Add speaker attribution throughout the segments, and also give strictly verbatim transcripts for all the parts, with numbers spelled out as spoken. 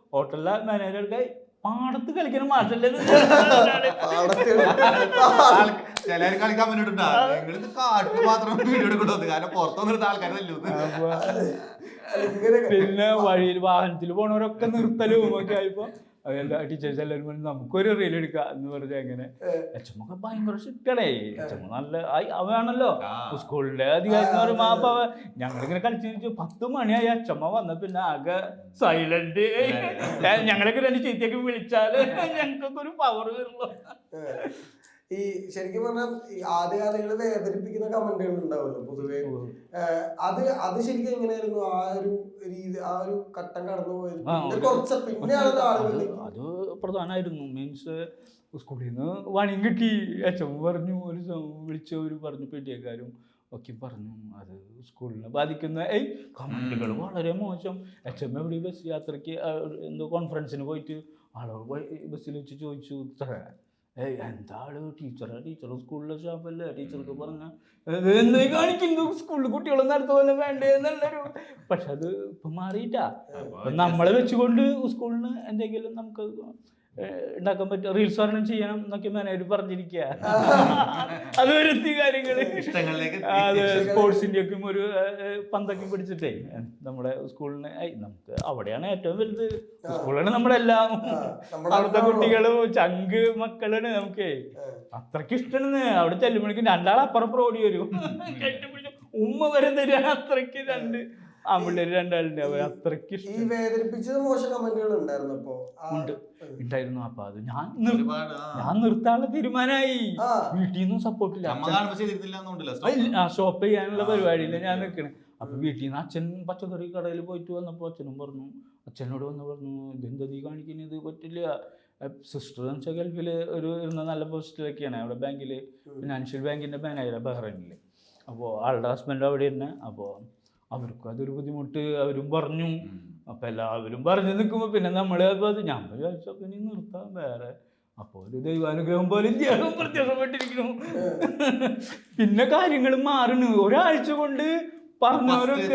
Speaker 1: ഹോട്ടലിലെ മാനേജർക്ക് പാടത്ത് കളിക്കുന്ന മാഷല്ലേ
Speaker 2: ചിലർ കളിക്കാൻ വേണ്ടിട്ടുണ്ടാ നിങ്ങൾ കാട്ടിൽ മാത്രം വീഡിയോ എടുക്കണ്ടത് കാരണം പുറത്തുനിന്നിരുന്ന ആൾക്കാരല്ലോ.
Speaker 1: പിന്നെ വഴിയിൽ വാഹനത്തിൽ പോണവരൊക്കെ നിർത്തലും ഒക്കെ ആയപ്പോ എല്ലാ ടീച്ചേഴ്സ് എല്ലാവരും പറഞ്ഞു നമുക്കൊരു റീൽ എടുക്കാം എന്ന് പറഞ്ഞ അങ്ങനെ എച്ച് എം ഒക്കെ ഭയങ്കര സ്ട്രിക്റ്റാണേ. എച്ച് എം നല്ല അവയാണല്ലോ സ്കൂളിലെ അധികാരി എന്ന് പറയുമ്പോ അപ്പൊ ഞങ്ങളിങ്ങനെ കളിച്ചു പത്ത് മണിയായി എച്ച് എം വന്ന പിന്നെ ആകെ സൈലന്റ്. ഞങ്ങളൊക്കെ രണ്ട് ചീത്തയൊക്കെ വിളിച്ചാല് ഞങ്ങൾക്കൊക്കെ ഒരു പവർ വരുള്ളൂ.
Speaker 3: ഈ ശരിക്കും പറഞ്ഞാൽ ആദ്യകാലങ്ങളിൽ വേദനിപ്പിക്കുന്ന കമന്റുകൾ ഉണ്ടാവുമല്ലോ പൊതുവെ. അത് അത് ശരിക്കും എങ്ങനെയായിരുന്നു ആ ഒരു രീതി, ആ ഒരു ഘട്ടം കടന്നു പോയത്? കുറച്ച് പിന്നെയാണ് ആളുകൾ
Speaker 1: അത് പ്രധാനമായിരുന്നു. മീൻസ് സ്കൂളിൽ നിന്ന് പണിയും കിട്ടി. എച്ച് എം പറഞ്ഞു, ഒരു വിളിച്ചവർ പറഞ്ഞു, പീഡിയക്കാരും ഒക്കെ പറഞ്ഞു അത് സ്കൂളിനെ ബാധിക്കുന്ന ഏയ് കമന്റുകൾ വളരെ മോശം. എച്ച് എം എവിടെ ബസ് യാത്രയ്ക്ക് എന്തോ കോൺഫറൻസിന് പോയിട്ട് ആളോട് ബസ്സിൽ വെച്ച് ചോദിച്ചു, ഏയ് എന്താ ആള് ടീച്ചറാ, ടീച്ചർ സ്കൂളിലെ സ്റ്റാഫല്ലേ, ടീച്ചർക്ക് പറഞ്ഞ എന്തായി കാണിക്കുന്നു, സ്കൂളിൽ കുട്ടികളെ നടത്ത പോലെ വേണ്ടേ എന്നുള്ളൊരു. പക്ഷെ അത് ഇപ്പം മാറിയിട്ടാ. നമ്മളെ വെച്ചുകൊണ്ട് സ്കൂളിന് എന്തെങ്കിലും നമുക്ക് ഉണ്ടാക്കാൻ പറ്റും, റീൽസ് ഒരെണ്ണം ചെയ്യണം എന്നൊക്കെ മാനേജർ പറഞ്ഞിരിക്കുക. അത് വരുത്തി കാര്യങ്ങള് അത് സ്പോർട്സിന്റെ ഒക്കെ ഒരു പന്തൊക്കെ പിടിച്ചിട്ടേ നമ്മുടെ സ്കൂളിന് നമുക്ക് അവിടെയാണ് ഏറ്റവും വലുത്. സ്കൂളാണ് നമ്മുടെ എല്ലാം. അവിടുത്തെ കുട്ടികളും ചങ്ക് മക്കളാണ് നമുക്ക്. അത്രയ്ക്ക് ഇഷ്ടമാണ്. അവിടെ ചെല്ലുമ്പോഴേക്കും രണ്ടാൾ അപ്പുറപ്പുറം ഓടി വരും, കെട്ടിപ്പിടിച്ച് ഉമ്മ വരെ തരിക. അത്രയ്ക്ക് രണ്ട് ആമ്പിള്ളേര് രണ്ടാളുണ്ട്. അവർ അത്രയ്ക്ക് ഇഷ്ടം. ഉണ്ട് ഉണ്ടായിരുന്നു. അപ്പൊ അത് ഞാൻ ഞാൻ നിർത്താനുള്ള തീരുമാനമായി. വീട്ടിൽ നിന്നും സപ്പോർട്ടില്ല. ആ ഷോപ്പ് ചെയ്യാനുള്ള പരിപാടിയില്ല ഞാൻ നിൽക്കണേ. അപ്പൊ വീട്ടിൽ നിന്ന് അച്ഛൻ പച്ചക്കറി കടയിൽ പോയിട്ട് വന്നപ്പോൾ അച്ഛനും പറഞ്ഞു, അച്ഛനോട് വന്ന് പറഞ്ഞു ഇതെന്താ നീ കാണിക്കുന്നത്, ഇത് പറ്റില്ല. സിസ്റ്റർ എന്ന് വെച്ചാൽ ഗൾഫിൽ ഒരു ഇരുന്ന നല്ല പോസ്റ്റിലൊക്കെയാണ്, അവിടെ ബാങ്കിൽ ഫിനാൻഷ്യൽ ബാങ്കിന്റെ മാനേജർ ബഹ്റൈനിൽ. അപ്പോൾ ആളുടെ ഹസ്ബൻഡ് അവിടെ തന്നെ. അപ്പോൾ അവർക്കും അതൊരു ബുദ്ധിമുട്ട് അവരും പറഞ്ഞു. അപ്പം എല്ലാവരും പറഞ്ഞു നിൽക്കുമ്പോൾ പിന്നെ നമ്മൾ അത് ഞാൻ വിചാരിച്ചപ്പോൾ ഇനി നിർത്താം വേറെ. അപ്പോൾ ഒരു ദൈവാനുഗ്രഹം പോലെ ത്യാഗം പ്രത്യക്ഷപ്പെട്ടിരിക്കുന്നു. പിന്നെ കാര്യങ്ങൾ മാറുന്നു. ഒരാഴ്ച കൊണ്ട് പറഞ്ഞവരൊക്കെ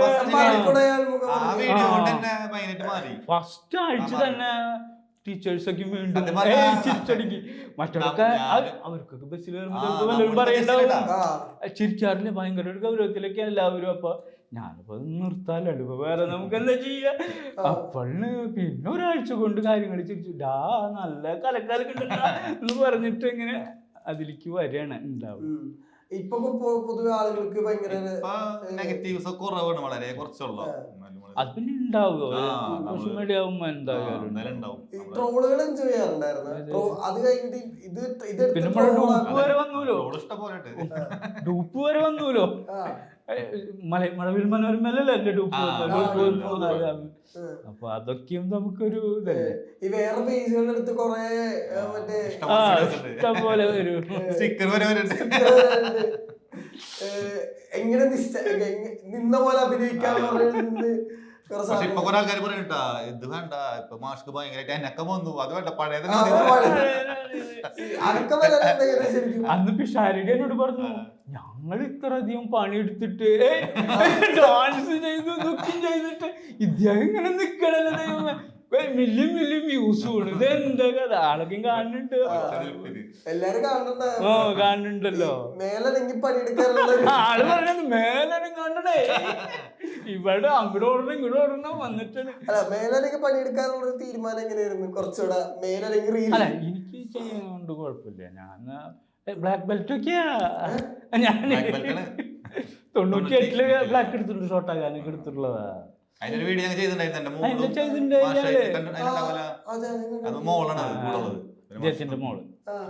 Speaker 1: ഫസ്റ്റ് ആഴ്ച തന്നെ ടീച്ചേഴ്സൊക്കെ വീണ്ടും ചിരിച്ചടിക്ക്. മറ്റൊക്കെ അവർക്കൊക്കെ ബസ്സിൽ വല്ലവരും പറയണ്ടാവും, ചിരിക്കാറില്ല, ഭയങ്കര ഒരു ഗൗരവത്തിലൊക്കെ എല്ലാവരും. അപ്പൊ ഞാനിപ്പോ നിർത്താലോ, ഇപ്പൊ വേറെ നമുക്ക് എന്താ ചെയ്യാ. അപ്പോഴ് പിന്നെ ഒരാഴ്ച കൊണ്ട് കാര്യങ്ങൾ ചിരിച്ചു ഡാ നല്ല കലക്കാലൊക്കെ എന്ന് പറഞ്ഞിട്ട് ഇങ്ങനെ അതിലേക്ക് വരികയാണ് ഉണ്ടാവും.
Speaker 3: ഇപ്പൊ പൊതുവെ ആളുകൾക്ക് ഭയങ്കര
Speaker 2: നെഗറ്റീവ്സ് കുറവാണ്, വളരെ കുറച്ചുള്ളൂ.
Speaker 1: അത് പിന്നെ ഉണ്ടാവുക സോഷ്യൽ മീഡിയ ആവുമ്പോ എന്തായാലും
Speaker 3: ട്രോളുകൾ എൻജോയ് ചെയ്യാറുണ്ടായിരുന്നു. അത് കഴിഞ്ഞിട്ട് ഇത് ഇത്
Speaker 1: പിന്നെ ഡൂപ്പ് വരെ വന്നൂലോ, ഡൂപ്പ് വരെ വന്നൂലോ. മഴവിൽ മനോരമല്ലേ എന്റെ ഡൂപ്പ്. അപ്പൊ അതൊക്കെയും നമുക്കൊരു ഇതല്ലേ.
Speaker 3: ഈ വേറെ പേജുകളുടെ അടുത്ത് കൊറേ മറ്റേ
Speaker 1: ഇഷ്ടം പോലെ വരും.
Speaker 3: എങ്ങനെ നിന്ന പോലെ അഭിനയിക്കാന്ന് പറയുന്നത്.
Speaker 2: ഇപ്പൊ കുറെ ആൾക്കാർ പറയട്ടാ ഇത് വേണ്ട, ഇപ്പൊ മാസ്ക് ഭയങ്കരമായിട്ട് എനക്ക വന്നു, അത് വേണ്ട പഴയത്.
Speaker 1: അന്ന് പിഷാരിക എന്നോട് പറഞ്ഞു ഞങ്ങൾ ഇത്ര അധികം പണിയെടുത്തിട്ട് ഡാൻസ് ചെയ്തു ദുഃഖം ചെയ്തിട്ട് ഇദ്ദേഹം ഇങ്ങനെ നിക്കണല്ലോ ദൈവമേ, മില്യം മില്യം വ്യൂസ് കൂടും. ഇത് എന്താ കഥ, ആളൊക്കെയും കാണുന്നുണ്ട്.
Speaker 3: എല്ലാരും കാണുന്നുണ്ട്.
Speaker 1: ഓ കാണുന്നുണ്ടല്ലോ. ആള് പറഞ്ഞത് മേലും കാണണേ. ഇവിടെ അങ്ങോട്ട് ഓടണം ഇങ്ങോട്ട് ഓടണം വന്നിട്ടാണ്.
Speaker 3: അല്ല മേലൊക്കെ പണിയെടുക്കാനുള്ള ഒരു തീരുമാനം എങ്ങനെയായിരുന്നു? കുറച്ചുകൂടെ മേലല്ലെങ്കിൽ
Speaker 1: അല്ല എനിക്ക് ചെയ്യാനുണ്ട്, കുഴപ്പമില്ല. ഞാൻ ബ്ലാക്ക് ബെൽറ്റ് ഒക്കെയാ. ഞാൻ തൊണ്ണൂറ്റി എട്ടില് ബ്ലാക്ക് എടുത്തിട്ടുണ്ട്, ഷോർട്ടാക്കാനൊക്കെ എടുത്തിട്ടുള്ളതാ.
Speaker 2: അതിനൊരു വീഡിയോ
Speaker 1: ചെയ്തിട്ടുണ്ട്.
Speaker 2: മോളാണ്
Speaker 1: മോള്